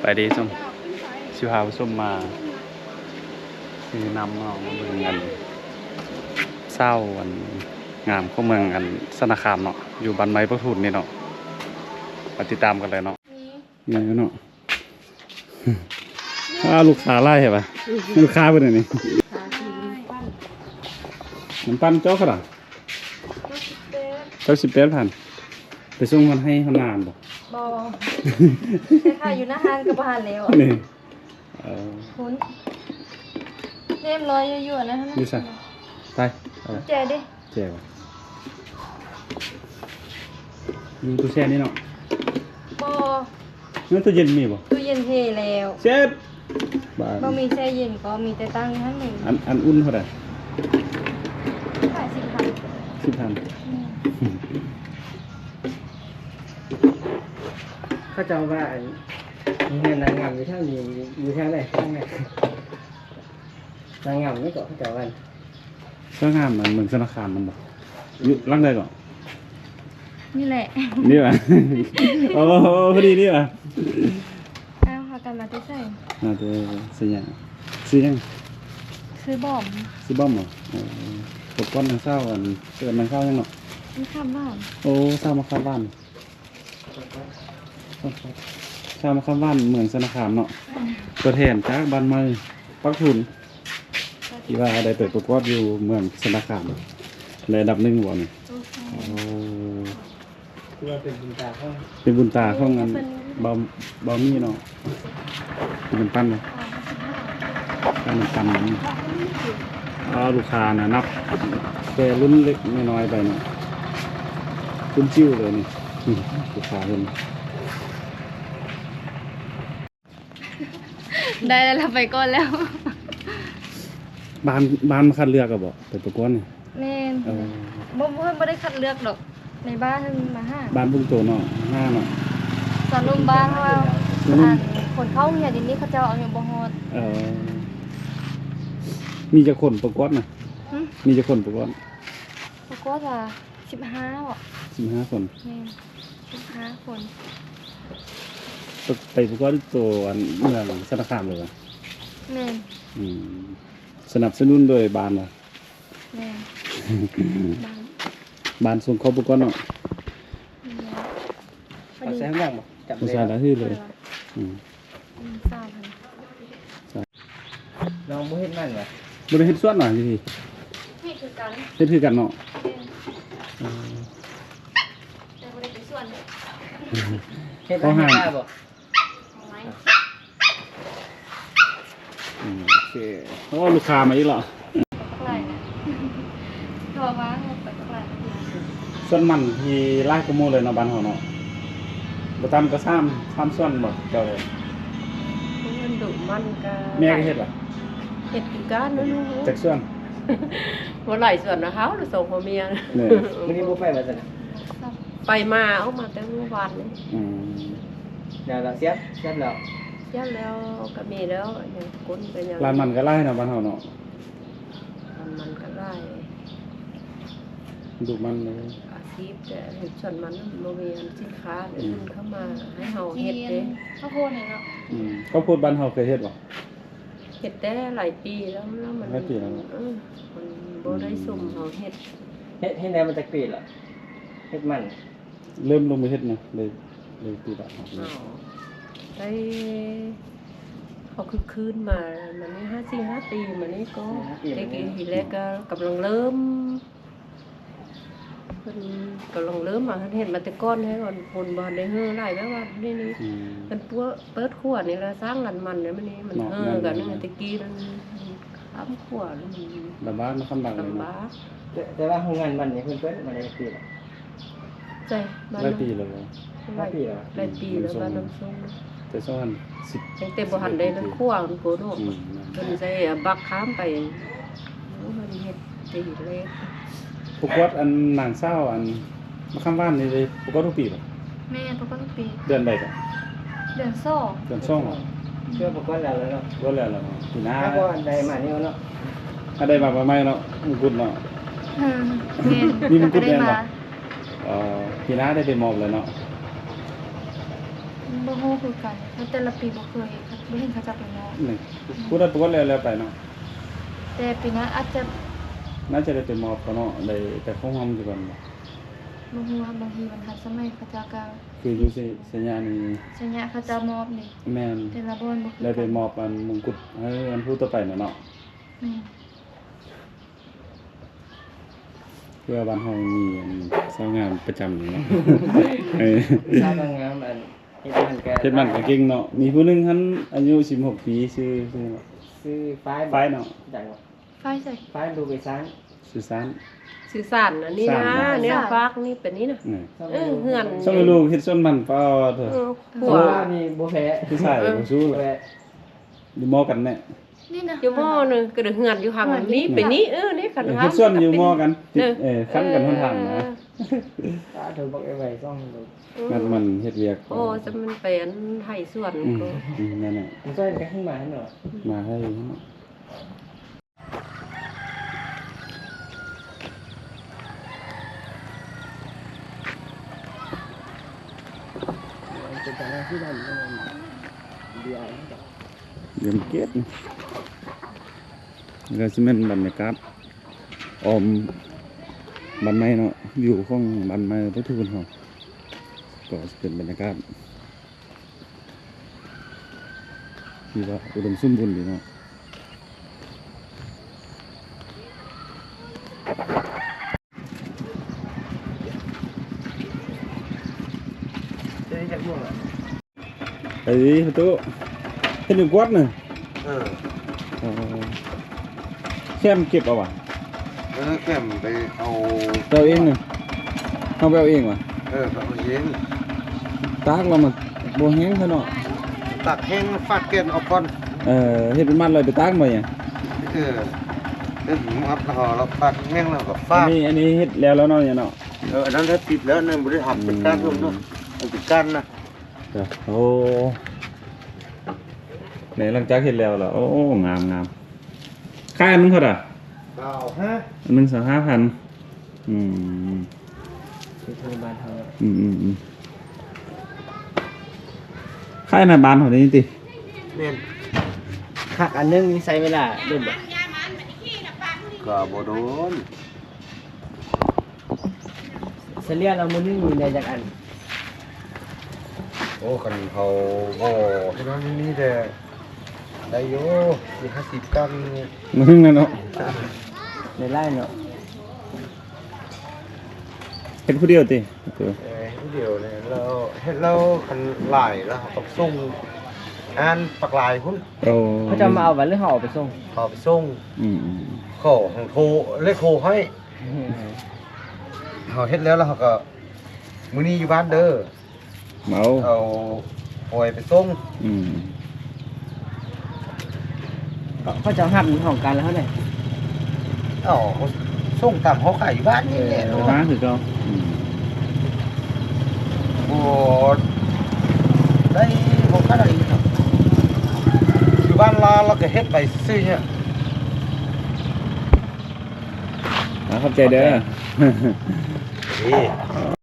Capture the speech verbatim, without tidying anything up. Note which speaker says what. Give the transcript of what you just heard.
Speaker 1: ไปดีส้มชิวหาส้มมาคือนำเอามาเมืองกันเศร้าวันงามของเมืองกันสนาคามเนาะอยู่บ้านไม้ประทุนนี่เนาะไปติดตามกันเลยเนาะนี่เนาะอ้าลูกค้าไล่เหรอปะลูกค้าเป็นไงนี่มันปั้นเจ้าขนาดเจ้าสิบแปดพันไปส่งมันให้เขานานบ่
Speaker 2: บอใช่ค่ะอยู่หน้าห้างกับบ้านแล้ว
Speaker 1: นี่เออ
Speaker 2: คุณเรียบร้อยอยู่ๆนะฮะ
Speaker 1: ดูสิไป
Speaker 2: เจดิ
Speaker 1: เจ๋วมีตู้แช่นี่เนาะ
Speaker 2: บอ
Speaker 1: งั้นตู้เย็นมีบ่
Speaker 2: ตู้เย็นเทแล้ว
Speaker 1: เช็ด
Speaker 2: บ่มีแช่เย็นก็มีแต่ตั้งท่านหนึ่ง
Speaker 1: อันอันอุ่นเท่าไหร่
Speaker 2: ขายสิบพัน
Speaker 1: สิบพัน
Speaker 3: เขาจะว่าเงินนางงามอยู่ทางนี้อยู่ทางไหนทางไหนนางงามไม่ก็เขาจะว่า
Speaker 1: ก็งามมันเหมือนธนาคารมันบอกอยู่ร่างใดก่อน
Speaker 2: นี่แหละ
Speaker 1: นี่ป่ะโอ้พอดีนี่ป่ะ
Speaker 2: อ้าวพากันมาที่ใส่
Speaker 1: น่าจะซื้อยังซื้อยัง
Speaker 2: ซื้อบอม
Speaker 1: ซื้อบอมเหรอตกก้อนนางเศร้าอันเกิดนางเศร้ายังเนาะ
Speaker 2: นี่ข้ามบ้าน
Speaker 1: โอ้เศร้ามาข้ามบ้านเศร้ามาข้ามบ้านเหมือนธนาคารเนาะตัวแทนจากบ้านไม้ปักทุนที่ว่าได้เปิดประกวดอยู่เมืองธนาคารในอันดับหนึ่งบ่เนี่ยโอ้
Speaker 3: เป็นบุญตาข้อง
Speaker 1: เป็นบุญตาข้องอันเบาเบามีเนาะเป็นปั้นเลยปั้นปั้นนี่อ๋อลูกค้านะนับแต่รุ่นเล็กไม่น้อยไปเนาะรุ่นจิ้วเลยนี่ลูกค้าเห็น
Speaker 2: ได้แล้วเราไปก่อนแล้ว
Speaker 1: บ้านบ้านมาคัดเลือกก็บอกไปประกวดนี่
Speaker 2: แม่นบ่เพิ่นบ่ได้คัดเลือกดอกในบ้านเพิ่นมาห้า
Speaker 1: บ้านบุ้งโตเนาะห้าเนาะ
Speaker 2: สอนลุมบ้านว่าคนเข้าเฮียดินนี้เขาเจ้าเอาอยู่บ่ฮอด
Speaker 1: เออมีจักคนประกวดน่ะมีจักคนประกวด
Speaker 2: ประกวดว่าสิบห้าบ่
Speaker 1: สิบห้าคน
Speaker 2: แม่นสิบห้าคน
Speaker 1: ไปประกวดตัวอันเมืองธนาคารเลยว่ะ
Speaker 2: แม่น
Speaker 1: อืมสนับสนุนโดยบ้านว่ะ
Speaker 2: แม่
Speaker 1: บ้านบ้านส่งเขาประกวดเนาะ
Speaker 3: เอาใส่ข้างล่างบ่จับ
Speaker 1: เลยใส่ได้ที่เลยอืม
Speaker 2: ทราบค่ะ
Speaker 3: เราบ่เฮ็ดนั่นว่ะ
Speaker 1: บ่ได้เฮ็ดสวนหน่อยสิ
Speaker 2: เฮ็ดคือกัน
Speaker 1: เฮ็ดคือกันเนาะ
Speaker 2: เออแต่บ่ได้ไปสวน
Speaker 3: เฮ็ดได้บ่
Speaker 1: โอเคโอ้ลูกค้ามาอีกแล้ว
Speaker 2: ไรโทรมาไปตลาด
Speaker 1: ส่วนมันที่ลายกระโมเลยเนาะบ้านเฮาเนาะบ่ตามก็ซ้ำซ้ำส่วนบ่เจ้าเลย
Speaker 2: มันดุมันก็
Speaker 1: แม่ก็เฮ็ดล่ะ
Speaker 2: เฮ็ดคือกันเนาะ
Speaker 1: จักส่วน
Speaker 2: บ่หลายส่วนนะเฮาหรือสองพ่อเมีย
Speaker 3: นี่มื้อนี้บ่ไปว่าซั่น
Speaker 2: ไปมาเอามาแต่เมื่อวานนี่
Speaker 1: อืม
Speaker 3: เดี๋ยวเราเสียบเสียบแล้ว
Speaker 2: เสียบแล้วก็มีแล้วอย่างก้นเป็นอย่าง
Speaker 1: ร้านมันก็ไล่เนาะบ้านเฮาเนาะ
Speaker 2: ร้านมันก็ไล่
Speaker 1: ดูมันเลย
Speaker 2: อาชีพแต่เห็นส่วนมันโมเมนสินค้าเดินเข้ามาให้เฮาเฮ็ดเด้ข้าวโพดนี่เนาะ
Speaker 1: อืมข้าวโพดบ้านเฮาเคยเฮ็ดบ่
Speaker 2: เฮ็ดได้หลายปีแล้วแล้วมัน
Speaker 1: หลายปีแล้ว
Speaker 2: เออมันบ่ได้สุ่มเฮาเฮ็ด
Speaker 3: เฮ็ดเฮ็ดได้มาจากปีละเฮ็ดมัน
Speaker 1: เริ่มลงมือเฮ็ดนะเลยเลยปีละอ๋อ
Speaker 2: ได้เขาคือคืนมามันนี่ห้าสี่ห้าปีมันนี่ก็เด็กทีแรกก็กำลังเริ่มเพิ่นกำลังเริ่มมาเห็นมาแต่ก้อนให้ก่อนคนบ่ได้เฮ้อหลายแบบว่านี่นี่เป็นปัวเปิดขวดนี่ละสร้างกันมันเนี่ยมันนี่มันเฮ้อกันนี่ตะกี้มันค้ำขวด
Speaker 1: ลำบากมันลำบากเลยเนาะ
Speaker 3: แต่ว่าโรงงานมันนี่เพิ่นเปิดมาได้ปีละ
Speaker 2: ใช่
Speaker 1: หลายปีแล้ว
Speaker 3: หลายปีแล้ว
Speaker 2: หลายปีแล้วบ้านน้ำส้ม
Speaker 1: แต่ซ้อนสิบ
Speaker 2: ยังเต็มบ่ทันได้นั่นคั่วมันโกโนเพิ่นใส่บักค้ามไปเพิ่นเฮ็ดดีเลย
Speaker 1: ปกวดอันนางเศร้าอันมาข้ามบ้านนี่เลยปกวดทุกปีป่ะ
Speaker 2: แม่ปกวดทุกปี
Speaker 1: เดือนใดป่ะ
Speaker 2: เดือนสอง
Speaker 1: เดือนสองเหรอ
Speaker 3: เชื่อปกวดแล้วเนาะ
Speaker 1: ปกวดแล้วเนาะปีหน้า
Speaker 3: ถ้าบ่ได้มานี่เนาะ
Speaker 1: ถ้าได้มาประมาณเนาะมงกุฎเนาะ
Speaker 2: อืมแม่
Speaker 1: มีมงกุฎแม่นบ่เอ่อปีหน้าได้ไปมอบแล้วเนาะ
Speaker 4: บ่ฮู้คือกันเพราะแต่ละปีบ่เคยบ่เห็นเขาจะไปมอบ
Speaker 1: นี่พูดได้ตัวแล้วแล้วไปเนาะ
Speaker 4: แต่ปีหน้าอาจจะ
Speaker 1: น่าจะได้ไปมอบเขาเนาะได้แต่คงทำอยู่ก่อนบ่
Speaker 4: บ่ฮู้ว่าบางทีมันทันสมัยเขาเจะก็
Speaker 1: คืออยู่สิสัญญานี่
Speaker 4: สัญญาเขาจะมอบนี่
Speaker 1: แม่น
Speaker 4: แต่ละบ่อนบ่คือ
Speaker 1: ได้ไป
Speaker 4: กัน
Speaker 1: มอบอันมงกุฎให้อันผู้ต่อไปน่ะเนาะ
Speaker 4: แม่น
Speaker 1: เพื่อบ้านเฮามีอันสาวงามประจำอยู่เนาะ เออ
Speaker 3: ทราบงามอันเฮ็ดมันก็
Speaker 1: เฮ็ดบ้านก็เก่งเนาะมีผู้หนึงหันอายุสิบหกปีชื่อชื่อ
Speaker 3: ซื้อฝ้าย
Speaker 1: ฝ้ายเนาะ
Speaker 3: จังหวะ
Speaker 4: ไฟใส่
Speaker 3: ฝ้ายดูไปซ้าง
Speaker 1: สุสาน
Speaker 2: สื่อสารอันนี้นะเนี่ยฟากนี่เป็นนี้นะ
Speaker 1: นี่
Speaker 2: เออเฮือน
Speaker 1: ส่งให้ลูกเฮ็ดส้นมันเปล่าเถอะ
Speaker 2: เออ
Speaker 3: หั
Speaker 2: หั
Speaker 3: ว
Speaker 2: ว
Speaker 3: นี่บ่แพ้
Speaker 1: ผู้ชายบ่สู้
Speaker 3: บ่
Speaker 1: เลย
Speaker 3: แพ้
Speaker 1: อยู่มอกันแน่
Speaker 4: นี่นะ
Speaker 2: อยู่หม้อนึงก็เดือเฮือนอยู่ห่างนี้เป็นนี้เออนี่คัน
Speaker 1: เออ
Speaker 2: ว่า
Speaker 1: เฮ็ดส้นอยู่มอกันติดเออคันกันหนทางนะ
Speaker 3: ตาเธอบอกไอ้ไว้ซ่องดู
Speaker 1: งัดมันเฮ็ดเวียก
Speaker 2: โอ้จะมันเป็นไห้ส่วน
Speaker 1: อืม
Speaker 2: ก็
Speaker 1: อืมนั่นน่ะ
Speaker 3: มันซ่อนกันข้างมาให้หน่อย
Speaker 1: มาให้
Speaker 3: เป็นการที่นั่นเดียว
Speaker 1: เดือนเกตแล้วสิแม่นบรรยากาศออมบ้านไม้เนาะวิวของบ้านไม้ทุกคนเฮาก็สิเป็นบรรยากาศที่ว่าอุดมสมบูรณ์ดีเนาะ
Speaker 3: จะได้จักม่วงอ่ะ
Speaker 1: ไอ้ประตูเฮ็ดอยู่กวดน่ะ
Speaker 5: เออ
Speaker 1: เออแค่มเก็บเอาว่ะ
Speaker 5: เออแก้มไปเอา
Speaker 1: ไปเอาเองน่ะเฮาไปเอาเองว่ะ
Speaker 5: เออไปเอาเย็น
Speaker 1: ตากเรามาบ่แห้งซะเนาะ
Speaker 5: ตักแห้งฟาดเกนเอาก่อน
Speaker 1: เออเฮ็ดเป็นมัดเลยไปตากบ่หยัง
Speaker 5: เออเดี๋ยวผมอัพแล้วเราฟาดแห้งแล้วก็
Speaker 1: อั
Speaker 5: ฟาน ด
Speaker 1: นี้อันนี้เฮ็ดแล้วแล้วเนาะเนี่ยเนาะ
Speaker 5: เอออันนั้นถ้าติดแล้วเนี่ยบริหารเป็นการร่วมเนาะเอาเป็นการนะ
Speaker 1: เดี๋ยวโอ้ไหนหลังจากเฮ็ดแล้วล่ะโอ้งามงามค่าอันนึงเท่าไหร่
Speaker 5: เก้าฮะ
Speaker 1: อันนึงสองห้าพันอืม
Speaker 3: คือทางบ้านเฮา
Speaker 1: อืมอืมอืมค่าอันนั้นบานเท่านี้ติ
Speaker 3: แม่นคักอันนึงนี่ใช้เวลาเดินบ่
Speaker 5: ก็บ่โดน
Speaker 3: เฉลี่ยเรามื้อนึงมีได้จักอัน
Speaker 5: โอ้คันเขาบ่ที่นั้นนี่แต่ได้อยู่สี่ห้าสิบกันเนี่ย
Speaker 1: มึงนั่นเนาะ
Speaker 3: ในไร่เนาะ
Speaker 1: เฮ็ดผู้เดียวติเออ
Speaker 5: เออเดี๋ยวเนี่ยเราเฮ็ดเราคันหลายแล้วเราต้องส่งอ่านปักหลายพุ่น
Speaker 1: โอ้
Speaker 3: เขาจะมาเอาวันหรือเขาเอาไปส่ง
Speaker 5: เขาไปส่ง
Speaker 1: อืมอืม
Speaker 5: เขาของโทรเลขโทรให้เขาเฮ็ดแล้วแล้วเขาก็มื้อนี้อยู่บ้านเด้อ
Speaker 1: เมา
Speaker 5: เอาปล่อยไปส่ง
Speaker 1: อืม
Speaker 3: เขาจะหับของกันแล้วเท่าไหร่
Speaker 5: เอ้าเขาส่งตามเขาขายอยู่บ้านนี่แหละ
Speaker 1: ไปหาคือเก่าอืม
Speaker 5: โอ้ได้บ่ค่าได้อีกครับอยู่บ้านลาแล้วก็เฮ็ดไปซื่อๆเนี่ย
Speaker 1: อ่าขอบใจเด้อ
Speaker 5: นี่